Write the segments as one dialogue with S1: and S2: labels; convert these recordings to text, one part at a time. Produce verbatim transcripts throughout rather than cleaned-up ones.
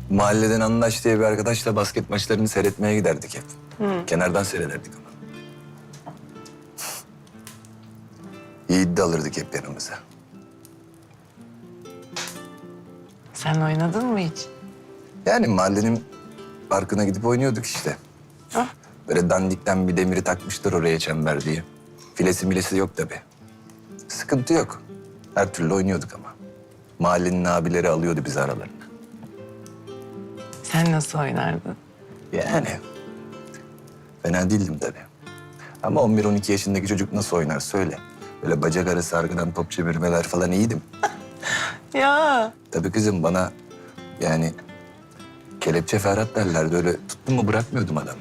S1: Mahalleden Anlaş diye bir arkadaşla basket maçlarını seyretmeye giderdik hep.
S2: Hı.
S1: Kenardan seyrederdik ama. Yiğit de alırdık hep yanımıza.
S2: Sen oynadın mı hiç?
S1: Yani mahallenin parkına gidip oynuyorduk işte.
S2: Ah.
S1: Böyle dandikten bir demiri takmışlar oraya çember diye. Filesi milesi yok tabii. Sıkıntı yok. Her türlü oynuyorduk ama. Mahallenin abileri alıyordu bizi aralarına.
S2: Sen nasıl oynardın?
S1: Yani fena değildim tabii. Ama on bir on iki yaşındaki çocuk nasıl oynar söyle. Böyle bacak arası arkadan top çevirmeler falan iyiydim.
S2: Ya
S1: Tabii kızım bana yani kelepçe Ferhat derlerdi. Öyle tuttum mu bırakmıyordum adamı.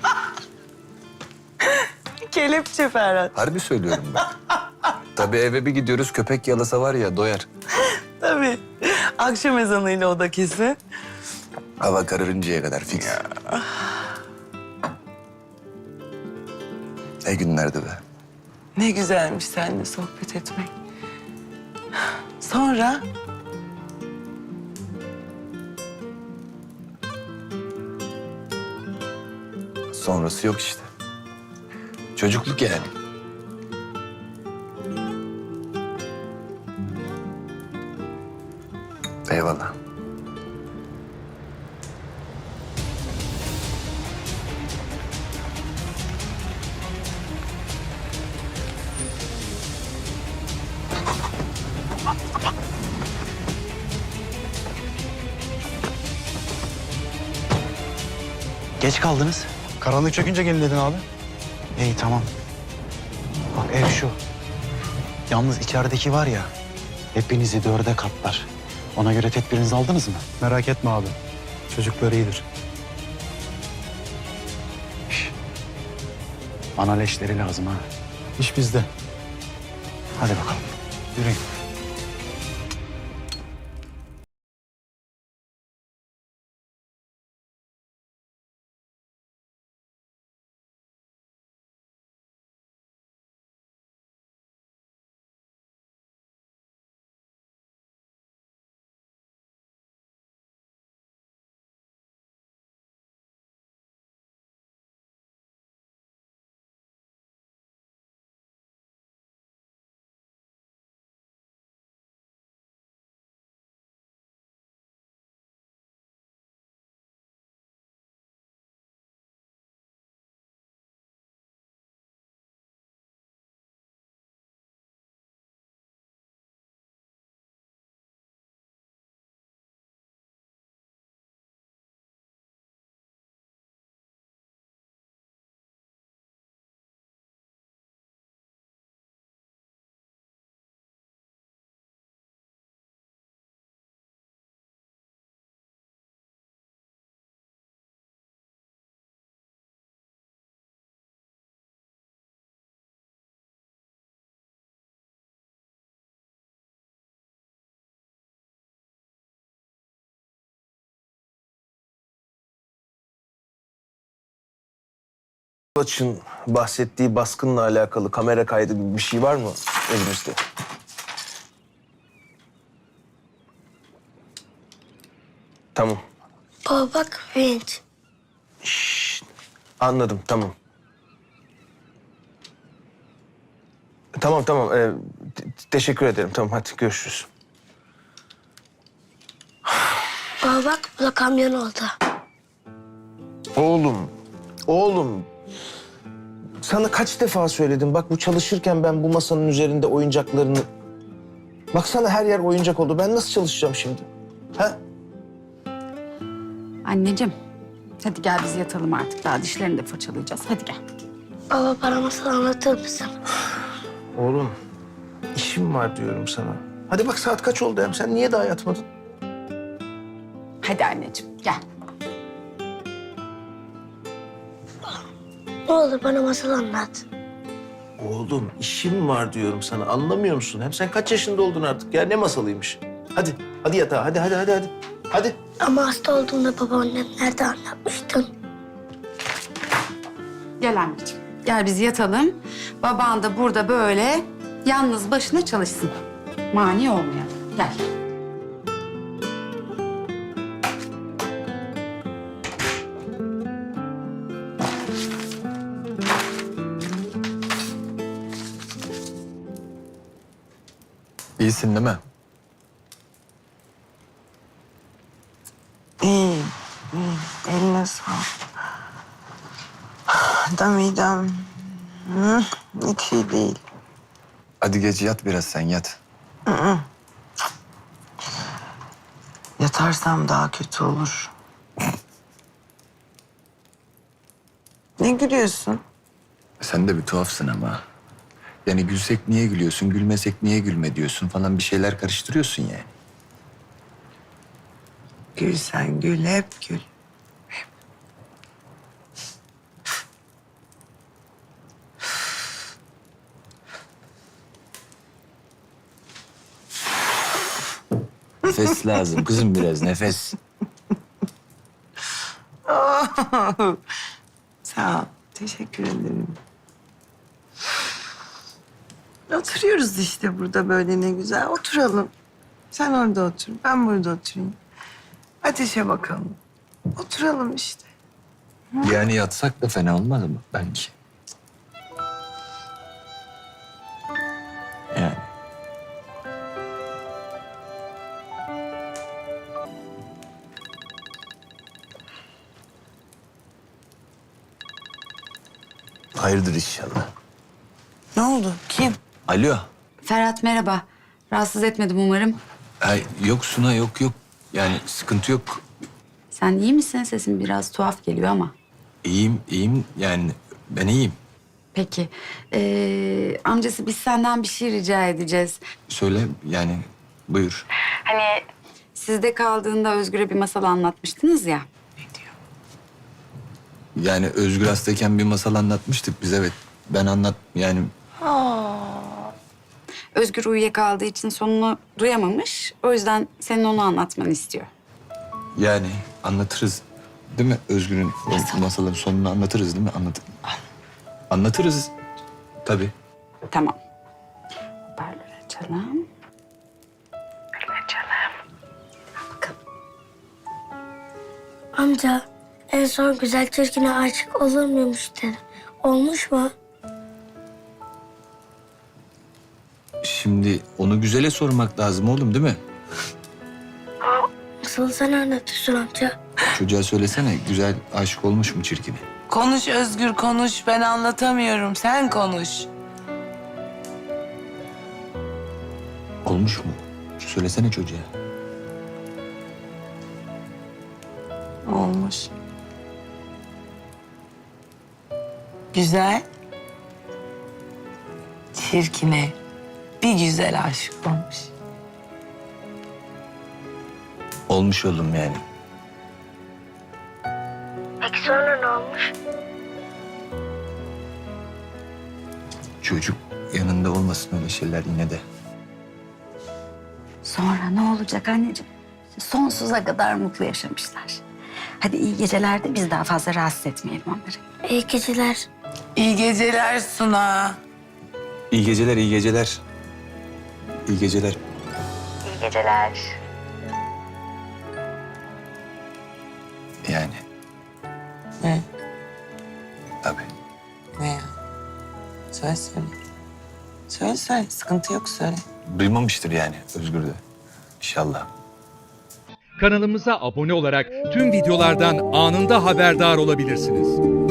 S2: kelepçe Ferhat.
S1: Harbi söylüyorum ben. Tabii eve bir gidiyoruz köpek yalasa var ya doyar.
S2: Tabii. Akşam ezanıyla o da kesin.
S1: Hava kararıncaya kadar fix. Ne günlerdi be.
S2: Ne güzelmiş seninle sohbet etmek. Sonra
S1: Sonrası yok işte. Çocukluk yani. Eyvallah.
S3: Geç kaldınız.
S4: Karanlık çökünce gelin dedin abi.
S3: İyi tamam. Bak ev şu. Yalnız içerideki var ya, hepinizi dörde katlar. Ona göre tedbirinizi aldınız mı?
S4: Merak etme abi. Çocuklar iyidir.
S3: Şş. Bana leşleri lazım ha.
S4: İş bizde.
S3: Hadi bakalım. Yürüyün.
S5: Açın bahsettiği baskınla alakalı kamera kaydı gibi bir şey var mı elimizde? Tamam.
S6: Baba bak vinç.
S5: Anladım, tamam. Tamam, tamam. Ee, te- teşekkür ederim. Tamam, hadi görüşürüz.
S6: Baba bak bu da kamyon oldu.
S5: Oğlum, oğlum. Sana kaç defa söyledim. Bak bu çalışırken ben bu masanın üzerinde oyuncaklarını... Baksana her yer oyuncak oldu. Ben nasıl çalışacağım şimdi? Ha?
S7: Anneciğim, hadi gel biz yatalım artık. Daha dişlerini de fırçalayacağız. Hadi gel.
S6: Baba bana masal anlatır mısın?
S5: Oğlum, işim var diyorum sana. Hadi bak saat kaç oldu hem? Sen niye daha yatmadın?
S7: Hadi anneciğim, gel.
S6: Ne olur bana masal anlat.
S5: Oğlum işim var diyorum sana. Anlamıyor musun? Hem sen kaç yaşında oldun artık ya? Ne masalıymış? Hadi, hadi yatağa. Hadi, hadi, hadi, hadi. Hadi.
S6: Ama hasta olduğumda babaannem nerede anlatmıştın?
S7: Gel anneciğim. Gel biz yatalım. Baban da burada böyle yalnız başına çalışsın. Mani olmayalım. Gel.
S1: İyisin değil mi?
S2: İyi, iyi. Eline sağlık. Da midem hı, hiç iyi değil.
S1: Hadi gece yat biraz sen yat.
S2: Yatarsam daha kötü olur. Ne gülüyorsun?
S1: Sen de bir tuhafsın ama. Yani gülsek niye gülüyorsun, gülmesek niye gülme diyorsun falan bir şeyler karıştırıyorsun yani.
S2: Gül sen gül, hep gül.
S1: Nefes lazım kızım biraz nefes.
S2: Sağ ol, teşekkür ederim. Oturuyoruz işte burada böyle ne güzel. Oturalım. Sen orada otur, ben burada oturayım. Ateşe bakalım. Oturalım işte.
S1: Yani yatsak da fena olmaz mı belki? Yani. Hayırdır inşallah.
S2: Ne oldu? Kim?
S1: Alo.
S7: Ferhat merhaba. Rahatsız etmedim umarım.
S1: Ay, yok Suna yok yok. Yani sıkıntı yok.
S7: Sen iyi misin? Sesin biraz tuhaf geliyor ama.
S1: İyiyim iyiyim yani ben iyiyim.
S7: Peki. Ee, amcası biz senden bir şey rica edeceğiz.
S1: Söyle yani buyur.
S7: Hani sizde kaldığında Özgür'e bir masal anlatmıştınız ya.
S1: Yani Özgür hastayken bir masal anlatmıştık biz evet. Ben anlat yani
S7: Özgür uyuyakaldığı için sonunu duyamamış. O yüzden senin onu anlatmanı istiyor.
S1: yani anlatırız. Değil mi? Özgür'ün o masalın sonunu anlatırız değil mi? Anlat anlatırız. Tabii.
S7: Tamam. Hoparlörü açalım. Açalım. Bakalım.
S6: Amca en son güzel çirkine aşık olur muymuş dedi. Olmuş mu?
S1: Şimdi onu güzele sormak lazım oğlum değil mi?
S6: Nasıl sen anlatıyorsun amca?
S1: Çocuğa söylesene güzel aşık olmuş mu çirkine?
S2: Konuş Özgür, konuş. Ben anlatamıyorum. Sen konuş.
S1: Olmuş mu? Söylesene çocuğa.
S2: Olmuş. Güzel. Çirkine bir güzel aşık olmuş.
S1: Olmuş oğlum yani.
S6: Peki sonra ne olmuş?
S1: Çocuk yanında olmasın öyle şeyler yine de.
S7: Sonra ne olacak anneciğim? Sonsuza kadar mutlu yaşamışlar. Hadi iyi geceler de biz daha fazla rahatsız etmeyelim onları.
S6: İyi geceler.
S2: İyi geceler Suna.
S1: İyi geceler, iyi geceler. İyi geceler.
S7: İyi geceler.
S1: Yani
S2: Ne?
S1: tabii.
S2: Ne ya? Söyle söyle. Söyle söyle. Sıkıntı yok söyle.
S1: Duymamıştır yani Özgür de. İnşallah.
S8: Kanalımıza abone olarak tüm videolardan anında haberdar olabilirsiniz.